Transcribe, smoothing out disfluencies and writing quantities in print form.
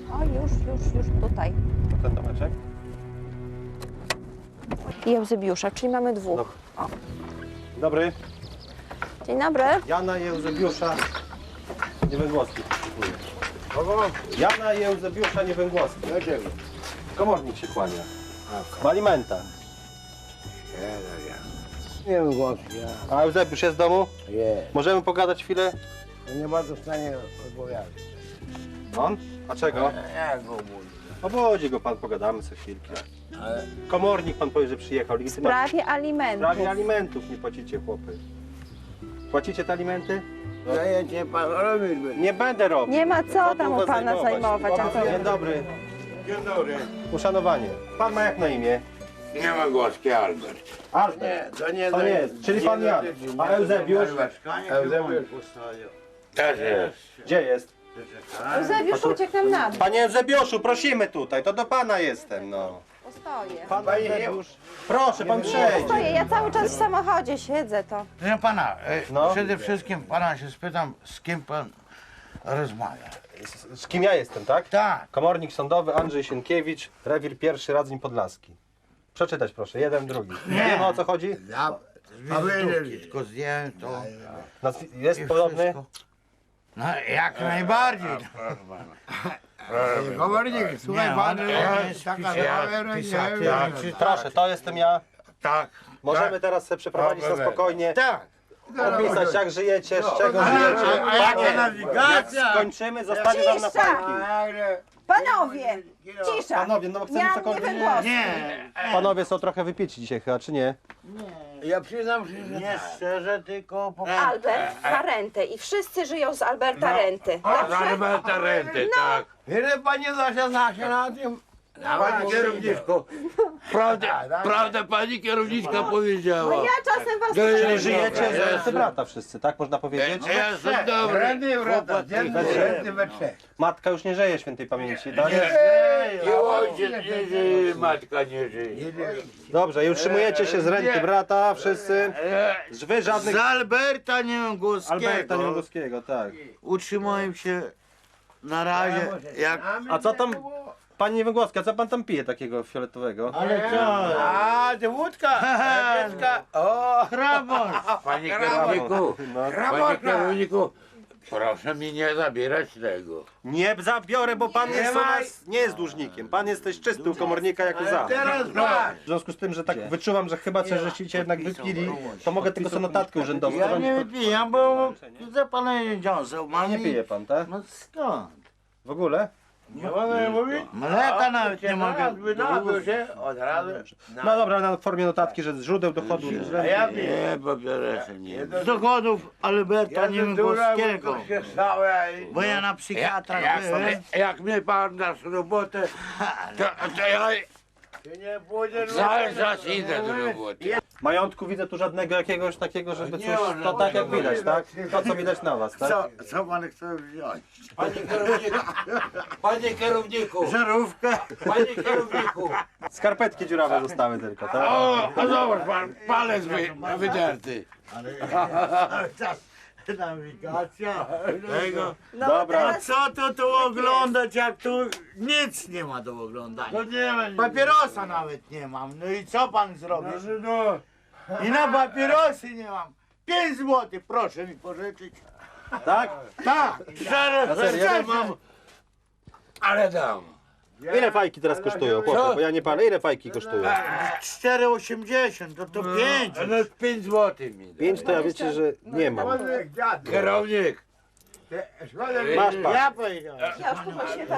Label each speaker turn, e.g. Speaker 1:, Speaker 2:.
Speaker 1: O, już tutaj.
Speaker 2: Ten domeczek?
Speaker 1: I Eusebiusza, czyli mamy dwóch.
Speaker 2: Dobra.
Speaker 1: O.
Speaker 2: Dobry.
Speaker 1: Dzień dobry.
Speaker 2: Jana i Eusebiusza Niewęgłowskich. Jana i Eusebiusza Niewęgłowskich.
Speaker 3: Dlaczego?
Speaker 2: Komornik się kłania. W alimentach.
Speaker 3: Nie wiem, głosu,
Speaker 2: A Eusebiusz jest w domu?
Speaker 3: Nie.
Speaker 2: Możemy pogadać chwilę?
Speaker 3: Nie bardzo w stanie odpowiadać.
Speaker 2: On? A czego?
Speaker 3: Ja go mówię.
Speaker 2: Obudzi go pan, pogadamy sobie chwilkę.
Speaker 3: Ale
Speaker 2: Komornik pan powie, że przyjechał.
Speaker 1: W
Speaker 2: Legitymacja.
Speaker 1: sprawie
Speaker 2: W
Speaker 1: alimentów.
Speaker 2: sprawie alimentów nie płacicie, chłopy. Płacicie te alimenty?
Speaker 3: zajęcie pan robić by.
Speaker 2: Nie będę robił.
Speaker 1: Nie ma co tam u
Speaker 2: was
Speaker 1: pana zajmować. A co?
Speaker 2: Dzień dobry.
Speaker 4: Dzień dobry.
Speaker 2: Uszanowanie. Pan ma jak na imię?
Speaker 4: Nie ma głoski Albert.
Speaker 2: Albert.
Speaker 3: Nie, to nie
Speaker 2: To nie jest. Czyli pan Jan. A Eusebiusz?
Speaker 3: Eusebiusz.
Speaker 4: Też jest.
Speaker 2: Gdzie jest?
Speaker 1: Eusebiusz uciekł nam na dół.
Speaker 2: Panie Eusebiuszu, prosimy tutaj. To do pana jestem, no.
Speaker 1: Stoję.
Speaker 2: Pan
Speaker 3: Panie
Speaker 2: Eusebiusz. Proszę, pan przejdzie.
Speaker 1: Stoję, ja cały czas w samochodzie siedzę to.
Speaker 5: Proszę pana,
Speaker 2: No.
Speaker 5: przede wszystkim pana się spytam, z kim pan rozmawia.
Speaker 2: Z kim ja jestem, tak?
Speaker 5: Tak,
Speaker 2: Komornik sądowy Andrzej Sienkiewicz, rewir pierwszy Radzyń Podlaski. Przeczytać proszę, jeden, drugi. Nie wiemy o co chodzi?
Speaker 3: Ja
Speaker 5: wizytówki, tylko zdjąłem to.
Speaker 2: Jest
Speaker 5: i
Speaker 2: podobny?
Speaker 5: wszystko. No jak najbardziej.
Speaker 3: komornik, słuchaj
Speaker 5: Nie,
Speaker 3: pan,
Speaker 5: on jest
Speaker 3: taka
Speaker 5: pisaty,
Speaker 3: zabawa,
Speaker 5: czy
Speaker 2: Proszę, to jestem ja.
Speaker 5: Tak,
Speaker 2: Możemy teraz sobie przeprowadzić na spokojnie.
Speaker 5: tak.
Speaker 2: Opisać jak żyjecie, z czego żyjecie. Panie, jak skończymy, zostawię wam na
Speaker 1: Cisza!
Speaker 2: fajki.
Speaker 1: Panowie, cisza.
Speaker 2: Panowie, no bo chcemy
Speaker 1: Jan
Speaker 2: cokolwiek...
Speaker 1: Niewęgłowski.
Speaker 5: Nie,
Speaker 2: Panowie są trochę wypieci dzisiaj chyba, czy nie?
Speaker 3: Ja przyznam się, że
Speaker 5: nie szczerze, tylko po...
Speaker 1: Albert ma rentę i wszyscy żyją z Alberta renty.
Speaker 4: Alberta renty, tak.
Speaker 3: ile pani Zosia zna się na tym?
Speaker 4: Pani kierowniczko. Prawda pani kierowniczka
Speaker 1: No
Speaker 4: powiedziała.
Speaker 1: ja czasem was...
Speaker 2: Czyli żyjecie z renty brata wszyscy, tak można powiedzieć?
Speaker 4: Jestem dobry.
Speaker 3: Renty wrota, dziennie renty we trzech.
Speaker 2: Matka już nie żyje świętej pamięci, tak?
Speaker 4: I ojciec nie żyje, matka nie żyje.
Speaker 2: Dobrze, i utrzymujecie się z renty brata wszyscy? Wy żadnych...
Speaker 5: Z Alberta
Speaker 2: Alberta
Speaker 5: Niewęgłowskiego
Speaker 2: Niewągowskiego, tak.
Speaker 5: utrzymuję się na razie jak...
Speaker 2: A co tam, pani Niewągłowska, co pan tam pije takiego fioletowego?
Speaker 5: Ale co?
Speaker 3: A, to wódka, dziecka, o,
Speaker 5: Hrabor!
Speaker 4: Panie kierowniku,
Speaker 2: No.
Speaker 4: panie kierowniku, proszę mi nie zabierać tego.
Speaker 2: Nie zabiorę, bo pan jest u nas, nie jest dłużnikiem. Pan jesteś czysty u komornika jak za.
Speaker 3: teraz masz.
Speaker 2: W związku z tym, że tak wyczuwam, że chyba coś żeście jednak wypili, to mogę tylko sobie notatkę urzędową.
Speaker 5: Ja nie wypijam, bo za pana nie dziąsał. Mam
Speaker 2: Nie pije pan, tak?
Speaker 5: No skąd?
Speaker 2: W ogóle?
Speaker 3: Nie mogę mówić?
Speaker 5: Mleka nawet nie mogę.
Speaker 3: Wydobył się od razu.
Speaker 2: No dobra, na formie notatki, że z źródeł dochodu.
Speaker 3: A ja piję.
Speaker 4: Nie, papierosy nie.
Speaker 5: Z dochodów Alberta Niewęgłowskiego.
Speaker 3: się stało,
Speaker 5: Bo ja na psychiatrach byłem.
Speaker 4: Jak mnie pan dasz robotę, to ja
Speaker 3: Ty nie pójdziesz
Speaker 4: cały czas idę do roboty.
Speaker 2: Majątku widzę tu żadnego jakiegoś takiego, żeby
Speaker 4: Nie
Speaker 2: coś,
Speaker 4: ma
Speaker 2: to tak jak
Speaker 4: żadnego.
Speaker 2: widać, tak? To co widać na was, tak?
Speaker 5: Co pan chce wziąć?
Speaker 4: Panie kierowniku,
Speaker 5: Żarówkę?
Speaker 4: panie kierowniku.
Speaker 2: Skarpetki dziurawe zostały tylko, tak?
Speaker 4: O, a zobacz pan, palec wydarty.
Speaker 5: Nawigacja. Tego.
Speaker 1: No,
Speaker 2: Dobra.
Speaker 5: A
Speaker 1: teraz
Speaker 5: co to tu oglądać, jak tu nic nie ma do oglądania?
Speaker 3: To nie ma.
Speaker 5: Papierosa nawet nie mam. No i co pan zrobi?
Speaker 3: No,
Speaker 5: I na papierosy nie mam. 5 zł, proszę mi pożyczyć.
Speaker 2: Tak?
Speaker 5: Tak,
Speaker 2: Na serio?
Speaker 5: szczerze mam.
Speaker 4: Ale dam.
Speaker 2: Ile fajki teraz kosztują, chłopie? Bo ja nie palę, ile fajki kosztują?
Speaker 5: 4,80, to 5.
Speaker 4: No 5 zł mi da.
Speaker 2: 5 to ja wiecie, że nie mam.
Speaker 3: jak dziadek.
Speaker 4: Kierownik.
Speaker 3: Szkoda,
Speaker 2: Masz pan.
Speaker 5: Ja powiedziałem.
Speaker 1: ja już poprosiłem